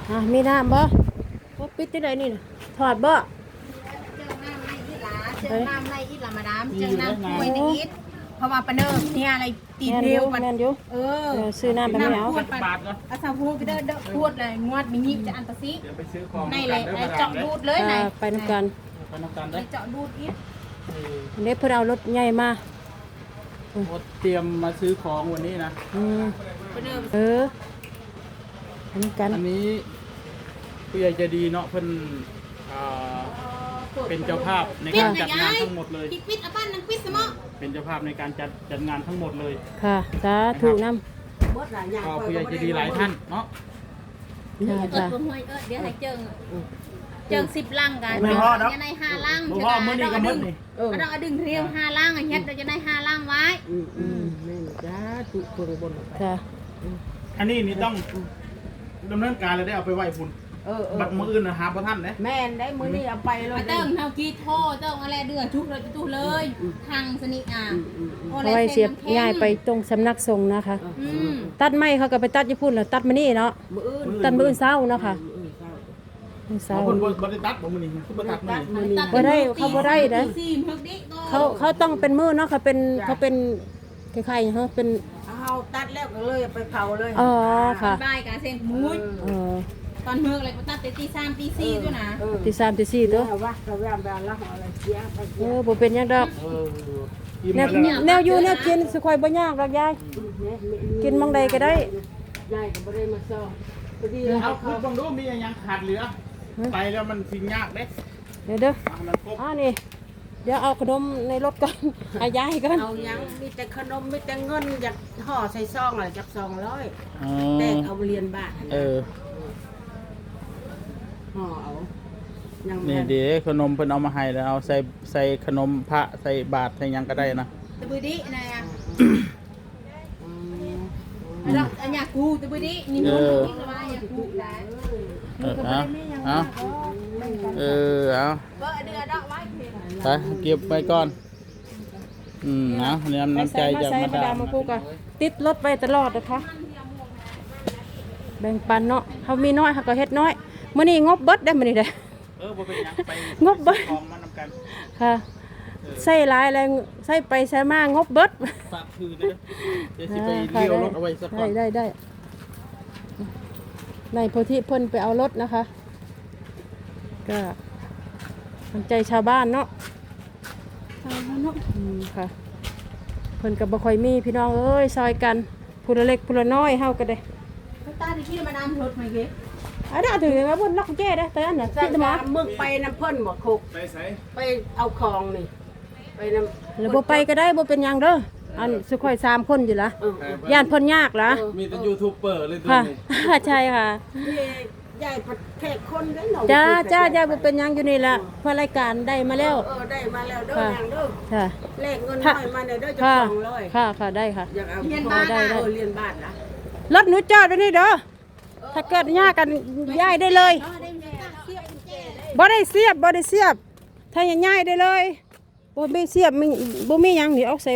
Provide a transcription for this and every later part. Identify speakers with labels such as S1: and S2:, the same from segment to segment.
S1: มีน้ำบ่ปิดที่ไหนนี่นะถอดบ่
S2: เจอน้ำในอีหลาเจอน้ำในอีหลามาดามเจอน้ำกล้วยในอีทเพราะว่าปะเนิมเนี่ยอะไรตีเดียวมัน
S1: ซื้อน้ำไปไม่เอา
S2: ขวดไปอาซาพูไปเด้อขวดเลยงวดมีนิบจะอันตะซิในเลยเจาะดูดเลยไหน
S1: ไปน้ำกัน
S2: เจาะดูดอีท
S1: เด็กเพื่อเอารถใหญ่มา
S3: เตรียมมาซื้อของวันนี้นะ
S2: ปะเนิม
S1: น้ำกัน
S3: อันนี้ผู้ใหญ่ใจดีเนาะเพิ่นเป็นเจ้าภาพในการจัดงานทั้งหมดเลย
S2: ปิดอ่ะบ้านนังปิดสมอ
S3: เป็นเจ้าภาพในการจัดงานทั้งหมดเลย
S1: ค่ะสาธุน้
S3: ำก็ผู้ใหญ่ใจดีหลายท่านเนาะ
S2: เดี๋ยวให้เจิง10ลังกันจะใน5ลัง
S3: ใช่ไหมมื้อนี้ก็มื้อนี้
S2: เราดึงเรียว5ลังเฮ็ดเราจะได้5ลังไว้
S1: แม่จ้าตุกคนบนค่ะ
S3: อันนี้นี่ต้องดำเนินการเลยได้เอาไปไหว้พุ่นบัดมืออื่นนะหาบ่ทันเด้
S4: แม่นได้มื้อนี้เอาไปเลย
S2: เติ้งเฮากีโทเติ้งอะไรเดือชุกเลยตู้เลยทางสนิท
S1: เอาไว้เสียบง่ายไปตรงสำนักสงฆ์นะคะตัดไม้เขาก็ไปตัดญี่ปุ่นแล้วตัดมานี่เนาะตัดมื้อเช้าเนาะค่ะ
S3: เช้าคนบ่ได้ตัดบ่มื้อนี้คือบ่ตัดมื้อนี้
S1: บ่ได้เขาบ่ได้เด้เขาต้องเป็นมื้อเนาะเขาเป็นคล้ายๆเขาเป็น
S4: เฮาตัดแล้วก็เลยไปเผาเลย
S1: อ๋อค่ะ
S2: ได้การเส้นมุ้ยตอนเมือกอะไรก็ตัดตี3ตี4ด้วยนะ
S1: ตี3ตี4ตัว
S4: ว่าก็แวมแล้วอะไรเสียไป
S1: บ่เป็นหยังดอกแนวอยู่แนวกินสิค่อยบ่ยากดอกยายกินมองใดก็ได้
S4: ยายก็บ่ได้มาซ้อ
S3: เอาคือบ่รู้มีหยังขาดเหลือไปแล้วมันสิยากเด้
S1: เด้อนี่เดี๋ยวเอาขนมในรถก่อนให้ยายก่อน
S4: เอายังมีแต่ขนมมีแต่เงินอยากห่อใส่ซองอะไรจัก200แต่เอาเหรียญบาทห่อเอา
S3: นี่เดี๋ยวขนมเพิ่นเอามาให้แล้วเอาใส่ขนมพระใส่บาตรใส่หยังก็ได้นะ
S2: ตะบือดินะเราอันอยากกูตะบือดินี่มึงกินอะไรอยากกูได้
S3: เอาเอาไปเก็บไปก่อนนะน้ำใจจากมาดาม
S1: ติดรถไปตลอดนะคะแบ่งปันเนาะเขามีน้อยเขาก็เฮ็ดน้อยมื้อนี้งบเบิดได้มื้อนี้เด้
S3: บ่เป็นหยังไป
S1: งบเบิด
S3: ของมันนำกัน
S1: ค่ะใส่หลายแรงใส่ไปใส่มางบเบิด
S3: ฝากคืนเด้อเดี๋ยวสิไปเลี้ยวรถเอาไว้สักก่อน
S1: ได้ในโพธิเพิ่นไปเอารถนะคะก็สนใจชาวบ้านเนาะค่ะเพิ่นกับบ่ค่อยมีพี่น้องเอ้ยซอยกันผู้ละเล็กผู้ละน้อยเฮาก็ได้
S2: ตาที่คิดมาดามรถไหมเก๋
S1: ได้ถึงว่าเพิ่นล็อกแก้ได้แต่อันน่ะ
S4: คิดมามึงไปน้ำเพิ่นบ่คุก
S3: ไปไส
S4: ไปเอาของนี่ไปน้ำ
S1: แล้วบ่ไปก็ได้บ่เป็นหยังเด้ออันสุข่อย3คนอยู่ล่ะย่านเพิ่นยากล่ะ
S3: มีแต่ยูทูบเบอร์เลยตัวนี้
S1: ใช่ค่ะ
S4: ยายประเทศคนได้หน
S1: จ้ายายบ่เป็นหยังอยู่นี่ล่ะเพราะรายการได้มาแล้ว
S4: ได้มาแล้วเด้ออย่างเด้อ
S1: ค่ะ
S4: เลขเงินน้อยมาเด้อจะ200
S1: ค่ะได้ค่ะ
S4: อยากเอาเรียนบ้านเรียนบ้านนะ
S1: รถหนูจอดไว้นี่เด้อถ้าเกิดยากกันย้ายได้เลยบ่ได้เสียบถ้าย้ายได้เลยบ่มีเสียบบ่มีหยังนี่เอาใส่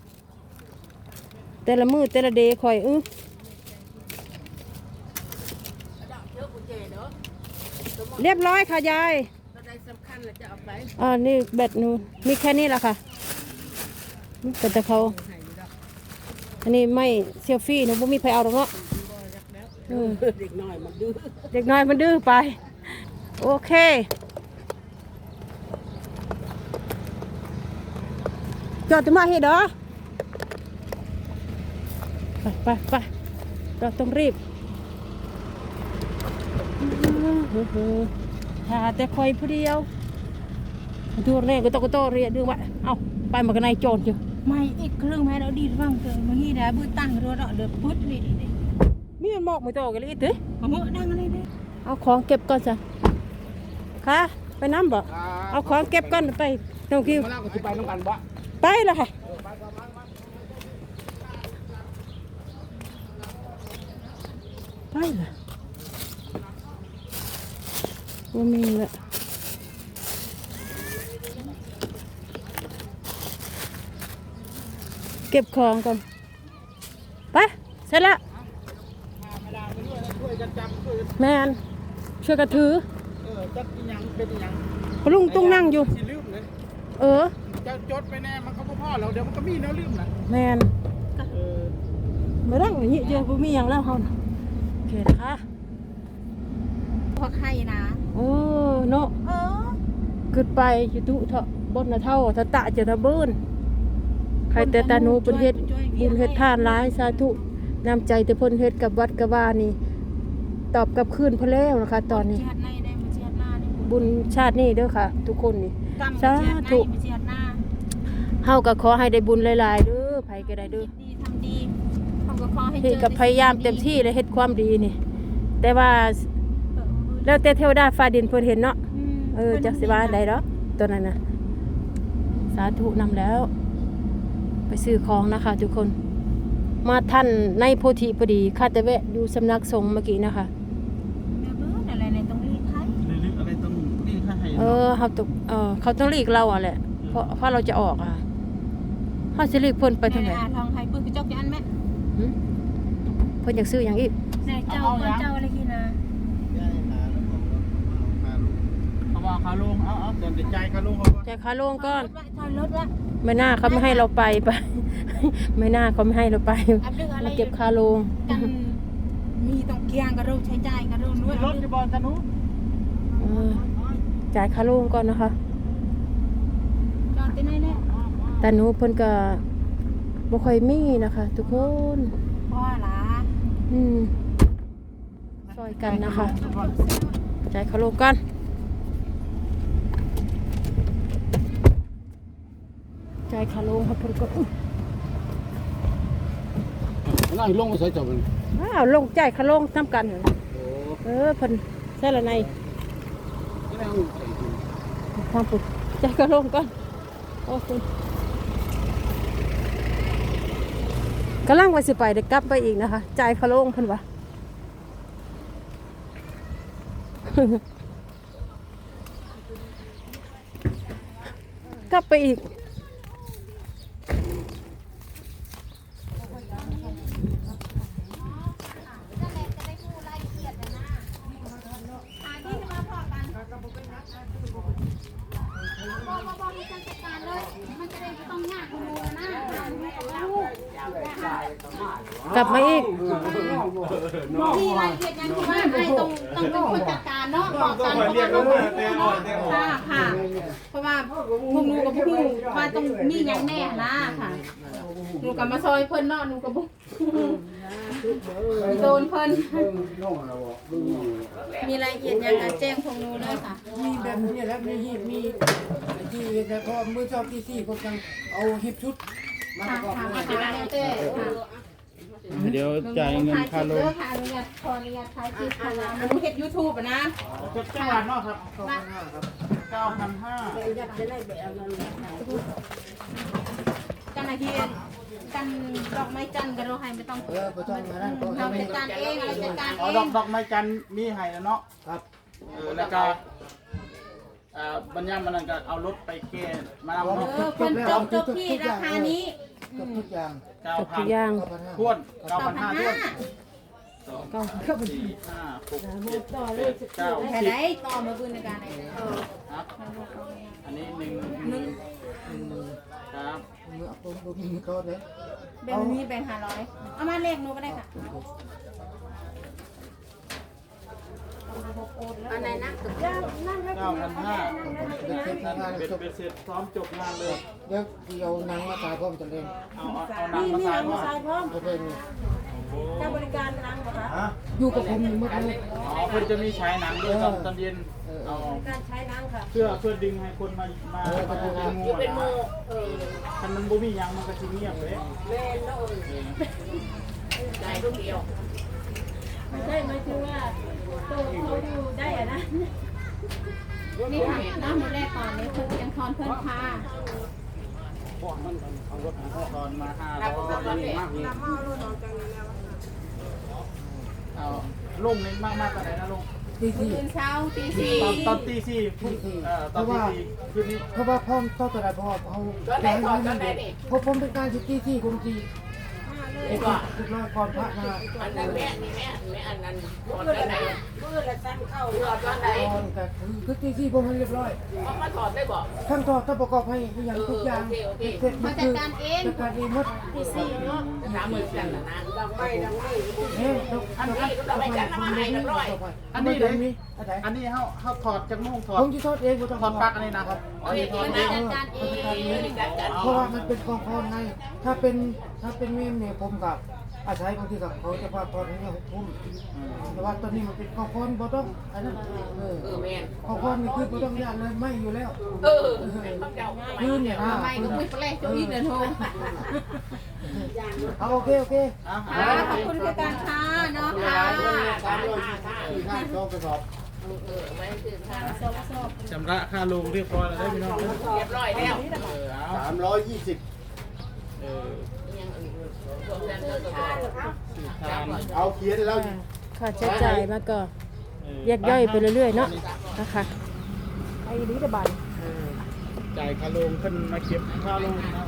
S1: แต่ละมือแต่ละเดย์คอยเรียบร้อยค่ะยายนี่แบตหนูมีแค่นี้แหละค่ะแต่เขาอันนี้ไม่เซลฟี่หนูบ่มีใครเอาหรอกเนาะ
S4: เด็กน้อยมันดื้
S1: อไปโอเคจอดจะมาให้เด้อไปเราต้องรีบหาแต่คอยผู้เดียวดูแรกก็ต้องเรียกดูว่าเอาไปมากันในโจรอยู่
S2: ไม่อีกเครื่องแม่เราดีฟังเกินเมื่อกี้นะบื้อตั้งรัวเดือดปุ๊ดเลย
S1: มีมันบอกไม่โตกันเลยอีกที
S2: มาเมื่อดังอะไรเนี่ย
S1: เอาของเก็บก่อนจ้ะค่ะไปน้ำบ่เอาของเก็บก่อนไปน้องคิว
S3: ไปน้องกันบ่
S1: ไปเลยค่ะไปเลยว่ามีละเก็บของก่อนไปเสร็จแล้วแมนช่วยกันถือ
S3: จักอีหยังเป็นอีหยัง
S1: พลุงตุ้งนั่งอยู่
S3: สิลืมเลย
S1: เออ
S3: จะจดไปแน่มันก็บ่พอแล้วเดี๋ยวมันก็มีแนวลืมนะ
S1: แมน
S3: เออ
S1: มาดังอย่างนี้เดียวบ่มีหยังแล้วเฮาน่ะโอเคนะคะ
S2: พวกไข่นะ
S1: โอ้เนาะ
S2: เออ
S1: ขึ้นไปอยู่ตุเถาะบนน่ะเท่าตะตะจะตะเบิ้นใครแต่ตาหนูเพิ่นเฮ็ดบุญเฮ็ดทานหลายสาธุน้ำใจแต่เพิ่นเฮ็ดกับวัดกับว่านี่ ตอบกลับคืนเพิ่นแล้วนะคะ ตอนนี้
S2: เจียดในได้มาเจียดหน้าได้
S1: บุญชาตินี้เด้อค่ะ ทุกคนนี่
S2: กรรม
S1: สา
S2: เจียดใน
S1: ธุ
S2: มาเจียดหน้า
S1: เฮาก็ขอให้ได้บุญหลายๆเด้อไผก็ได้เด้อ
S2: ดีทำดีทำกับขอให้เจ
S1: เฮ็ด
S2: อ
S1: กับพยายามเต็มที่เลยเฮ็ดความดีนี่ แต่ว่าแล้วแต่เทวดาฟ้าดินเพิ่นเห็นเนาะจักสิว่าได้ดอกตัวนั้นน่ะสาธุนำแล้ว ไปซื้อของนะคะ ทุกคน มาท่านในโพธิพอดีข้าแต่แวะอยู่สำนักสงฆ์เมื่อกี้นะคะ
S2: แม่เบิ้ลอะไรในตรงนี้ไทย
S3: ลืมอะไรต้องนี่ให้
S1: เขาต้องหลีกเราอ่ะแหละเพราะเราจะออกอ่ะเขาจะหลีกเพิ่นไปทางไหน
S2: ทองไทยปืนกระจกยันแม่
S1: หึเพิ่นอยากซื้ออย่างอีก
S2: ในเจ้าคนเจ้าอะไรกินนะ
S3: เอาว่าคาลงเอาเดินใจคาลงเขา
S1: จ่ายค่าโรงก่อน
S2: ถอยรถวะ
S1: ไม่น่าเขาไม่ให้เราไป ไม่น่าเขาไม่ให้เราไป
S2: อับดึงอะไร
S1: มาเก็บค่าโรง
S2: กันมีต้องเกียงกระโดดใช้จ่ายกระโดดด้วย
S3: รถจะบอลตะนุ
S1: จ่ายค่าโรงก่อนนะคะ
S2: จอดที่ไหนเนี่ย
S1: แต่หนูเพิ่นก็บ่ค่อยมีนะคะ ทุกคน
S2: พ่อหลา
S1: ซอยกันนะคะจ่ายค่าโรงก่อนจ่ายค่าโรงครับเพิ่นก็
S3: นั่งลงมาใส่จับมัน
S1: อ้าวลงจ่ายค่าโรงทำกันเหรอเพิ่นใช่ละในทางปุ๊บจ่ายค่าโรงก่อนโอ้คุณกำลังว่าสิไปเดี๋ยวกลับไปอีกนะคะจ่ายค่าโรงเพิ่นว่า กลับไปอีกกลับมาอีก
S2: ที่รายละเอียดยังที่ว่าไอ้ต้องเป็นคนจัดการเนาะบอกกันเพราะว่าค่ะเพราะว่าพวกหนูกับพวกหนูว่าต้องมีอย่างแน่นะค่ะหนูกับมาซอยเพิ่นเนาะหนูกับพวกโดนเพิ่นมีรายละเอียดยังการแจ้งพวกหนูเลยค่ะ
S5: มีแบบนี้แล้วมีหีบมีที่แต่พอมือชอบที่สี่ก็ยังเอาหีบชุดมาประกอบ
S2: ค่ะ
S5: ด้วย
S2: ค่ะแล้วแต่ค่ะ
S3: เดี๋ยวจ่ายเงินคาลง
S2: ค่ะอนุญาตขออนุญาตถ่ายคลิปค่ะหนูเฮ็ด YouTube อ่ะนะ
S3: จังหวัดเนาะครับ9,500
S2: กันอาทิตย์กันดอกไม้จันทร์กันเราให้ไม่ต้อง
S5: ก็ต้องมานั่นก็
S2: เราจัดการเองอะไรจัดการเอ
S3: อ๋อง ดอกไม้จันทร์มีให้แล้วเนาะ
S5: ครับ
S3: แล้วก็บรรยามมันก็เอารถไปแก้มานำ
S2: เพิ่นจบที่ราคานี้
S5: กับทุกอย่าง
S1: จบทุกอย่าง
S3: 9,000ท้วน 9,500ท้วน
S1: ก็
S3: 4 5 6 7 8 9
S2: แค่ไหนต่อมาบุญในการไหน
S3: ครับอันนี้1,000ครับ
S5: มือเอาตัวมือเขาเลย
S2: แบ่งนี้แบ่ง500เอามาเลขหนูก็ได้ค่ะอันไหนนะ
S3: 9,500
S5: เด็กเซ็ตงาน
S3: เป็น
S5: จบ
S3: เสร็จพร้อมจบงานเลย
S5: เดี๋ยวที่เอาหนังมาตายพร้อมจะเล่น
S3: เอาหนังมาใส่ว่า
S5: จะเป็น
S1: ถ้าบริการนางบ่คะ
S5: อยู่กับผมมืดเลย
S3: อ๋อเพื่อจะมีฉายหนังด้วยตอนเย็นเอา
S1: การใช้นางค่ะ
S3: เพื่อดึงให้คนมาดูเป็นโมถ้ามันบ่มียังมันก็สิเงียบเลย
S1: ไม่ใช่หมายถึงว่าตัวเขาอยู่ได้อะนะ
S2: นี่ค่ะน้ำมือแรกก่อนเลยเพิ่นยังทอนเพิ่นค่ะ
S3: ตอนมา500นี่มากเลยเอาลงนี่มากๆกันไหนนะลง
S5: ที่สี่
S2: ตื่นเช้าตี
S3: ตอนตีสี่ตอนตีสี่คืนนี้
S5: เพราะว่าพ่อต้องแต่ละพ่อเอาแรงให้มันเด็กเพราะผมเป็นการที่สี่คนที่ทุกรอบก่อนพระมา
S4: อันนั้นแม่นี่แม่อันนั้นก่อนอันไหน
S1: มื้อละ
S4: สั้นเข้า
S2: เรือตอนไหน
S5: ตอนก็คือที่สี่ผมให้เรียบร้อย
S2: เอามาถอดได้บอก
S5: ทั้งถอดทั้งประกอบให้อย่างทุกอย่างเสร็จ
S2: มาจัดการเอง
S5: จัดการเองหมด
S4: ที่สี่เนาะ
S2: 30,000กันนะ
S4: ดังไม่ดังไม่
S5: เนี่ยอันนี้ก็ไปจัดมาให้เรียบร้อยอันนี้เลยมีอะไร
S3: อันนี้เขาถอดจากโม่งถอด
S5: ผมจะทอดเองผมต้อง
S3: ถอดปลั๊กอันนี้นะครับอันนี้ถอดเอง
S2: จัดการเองจัดการ
S5: เพราะว่ามันเป็นกองพรไงถ้าเป็นเมมเนี่ยผมกับอาศัยบางทีกับเขาจะพาตอนนี้6 ทุ่มแต่ว่าตอนนี้มันเป็นกองพรบ่ต้องอันนั้น
S2: แม่น
S5: กองพรนี่คือบ่ต้องย่านเลยไม่อยู่แล้ว
S2: ยื
S5: ยื
S2: น
S5: นเนี่ยนะ
S2: ไม่ก็ไม่แปลกจะอีกเดินโฮ
S5: เอาโอเค
S2: ขอบคุณคือการค้าเนาะค่ะ
S3: ชำระค่าลงเรียบร้อยแล้วได้พี่น้อง
S2: เรียบร้อยแล้ว
S6: 320
S3: เออ
S6: เอาเขียนแล้ว
S1: ค่าใช้จ่ายมาก็แยกย่อยไปเรื่อยๆเนาะนะคะไอ้นี้ระบาย
S3: จ่ายค่าลงขึ้นมาเก็บค่าลงนะ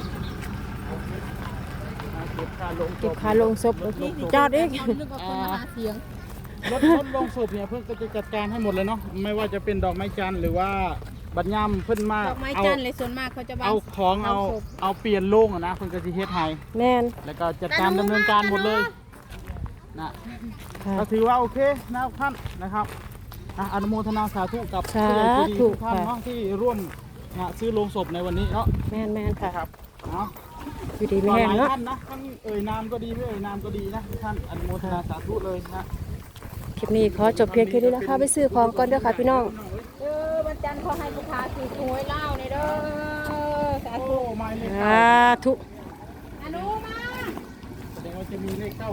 S3: เก็บค่าลง
S1: เก็บค่าลงศพจอดอีก
S2: นึกว่าคนมาหาเสียง
S3: รถลงศพเนี่ยเพื่อนก็จะจัดการให้หมดเลยเนาะไม่ว่าจะเป็นดอกไม้จันทร์หรือว่าบัญญัมเพิ่นมา
S2: ดอกไม้จันทร์เลยส่วนมากเขาจะวาง
S3: เอาของเอาเปลี่ยนโล่งอะนะเพิ่นก็สิเฮ็ดให้
S1: แม่น
S3: แล้วก็จัดการดำเนินการหมดเลยนะ
S1: ค่ะ
S3: ก็ถือว่าโอเคนะครับท่านนะครับอนุโมทนาสาธุกับ
S1: สาธุ
S3: ผู้ใหญ่ใจดีทุกท่าน
S1: ค่ะ
S3: เนาะที่ร่วมซื้อโลงศพในวันนี้เนาะ
S1: แม่นค่ะ
S3: ครับเนาะ
S1: อยู่ดี
S3: ห
S1: ไม่แห้ง
S3: ลาย
S1: เนาะ
S3: ท่านนะท่านเอ่ยนามก็ดีไม่เอ่ยนามก็ดีนะท่านอนุโมทนาสาธุเลยนะ
S1: คลิปนี้ขอจบเพียงแค่นี้นะคะไปซื้อของก่อนเด้อค่ะพี่น้อง
S2: วันจันทร์ขอให้ลูกค้าถือหวยเล่าในเด้อสา
S3: โอ้
S2: ธุ
S3: ไม่เลข
S1: สา
S3: เข้า
S1: ธุ
S2: อนุมา
S3: แสดงว่าจะมีเลขเข้า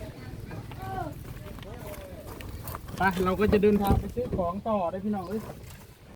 S3: ไปเราก็จะเดินทางไปซื้อของต่อได้พี่น้องเอ้ย